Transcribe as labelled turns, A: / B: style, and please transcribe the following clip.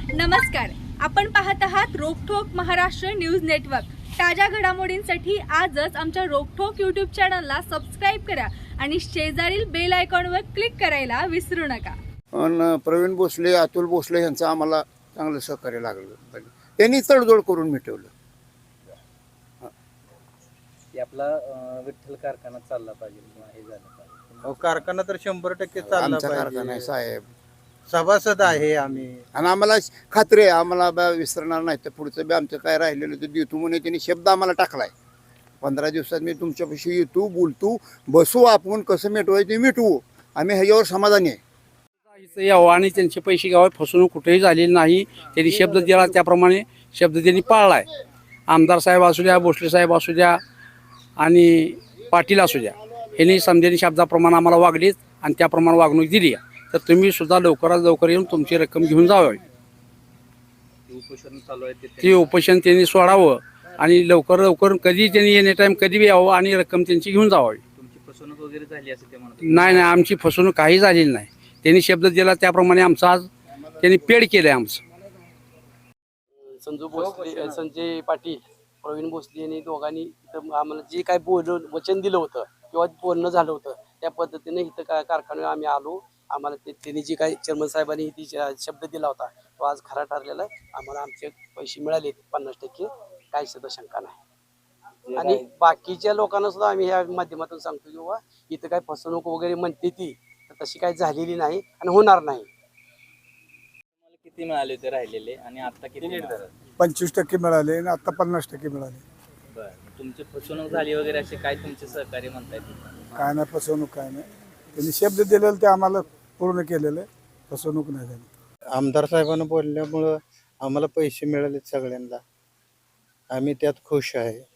A: नमस्कार, आपण पाहत आहात रोकठोक महाराष्ट्र न्यूज नेटवर्क। ताज्या घडामोडींसाठी आजच आमच्या रोकठोक यूट्यूब चॅनलला सबस्क्राइब करा आणि शेजारील बेल आयकॉनवर क्लिक करायला विसरू नका।
B: प्रवीण भोसले, अतुल भोसले यांचं आम्हाला चांगलं सहकार्य लागलं, त्यांनी तडजोड करून मिटवलं।
C: आपला विठ्ठल कारखाना चालला पाहिजे किंवा हे झालं पाहिजे।
D: कारखाना तर 100% चालला
B: आमचा कारखाना आहे
D: पाहिजे।
B: साहेब,
D: सभासद आहे आम्ही
B: आणि आम्हाला खात्री आहे आम्हाला विसरणार नाही। तर पुढचं बी आमचं काय राहिलेलं ते देतो म्हणून त्यांनी शब्द आम्हाला टाकलाय। 15 दिवसात मी तुमच्यापाशी येतो, बोलतो, बसू, आपण कसं मिटवायचं ते मिटवू। आम्ही ह्याच्यावर समाधानी आहे।
E: यावं आणि त्यांचे पैसे घ्यावे, फसवणूक कुठेही झालेली नाही। त्यांनी शब्द दिला त्याप्रमाणे शब्द त्यांनी पाळलाय। आमदार साहेब असू द्या, भोसले साहेब असू द्या आणि पाटील असू द्या, यांनी समजेनी शब्दाप्रमाणे आम्हाला वागलीत आणि त्याप्रमाणे वागणूक दिली। तर तुम्ही सुद्धा लवकरात लवकर येऊन तुमची रक्कम घेऊन जावी।
C: उपोषण चालू आहे
E: ते उपोषण त्यांनी सोडावं आणि लवकर लवकर कधी त्यांनी एनी टाइम कधी बी यावं आणि रक्कम त्यांची घेऊन जावी।
C: तुमची फसवणूक वगैरे झाली असं ते म्हणतात?
E: नाही, आमची फसवणूक काही झालेली नाही। त्यांनी शब्द दिला त्याप्रमाणे आमचा आज त्यांनी पेड केलंय। आमचं
F: संजू भोसले, संजय पाटील, प्रवीण भोसले यांनी दोघांनी इथं आम्हाला जे काय वचन दिलं होतं किंवा बोलणं झालं होतं त्या पद्धतीने इथं कारखान्यावर आम्ही आलो। आम्हाला त्यांनी जे काही चेअरमन साहेबांनी ती शब्द दिला होता तो आज खरा ठरलेला आहे। आम्हाला आमचे पैसे मिळाले 50%, काही सुद्धा शंका नाही। आणि बाकीच्या लोकांना सुद्धा आम्ही ह्या माध्यमातून सांगतो की बाबा इथं काय फसवणूक वगैरे म्हणते ती तर तशी काही झालेली नाही आणि होणार नाही।
C: किती मिळाले होते राहिलेले आणि आता किती मिळाले?
G: 25% मिळाले आणि आता 50% मिळाले।
C: बरं, तुमची फसवणूक झाली वगैरे असे काय तुमचे सहकार्य म्हणतायत?
G: काय नाही फसवणूक, काय नाही। त्यांनी शब्द दिलेलं ते आम्हाला पूर्ण केलेलं आहे, फसवणूक नाही झाली।
D: आमदार साहेबांना बोलल्यामुळं आम्हाला पैसे मिळाले सगळ्यांना, आम्ही त्यात खुश आहे।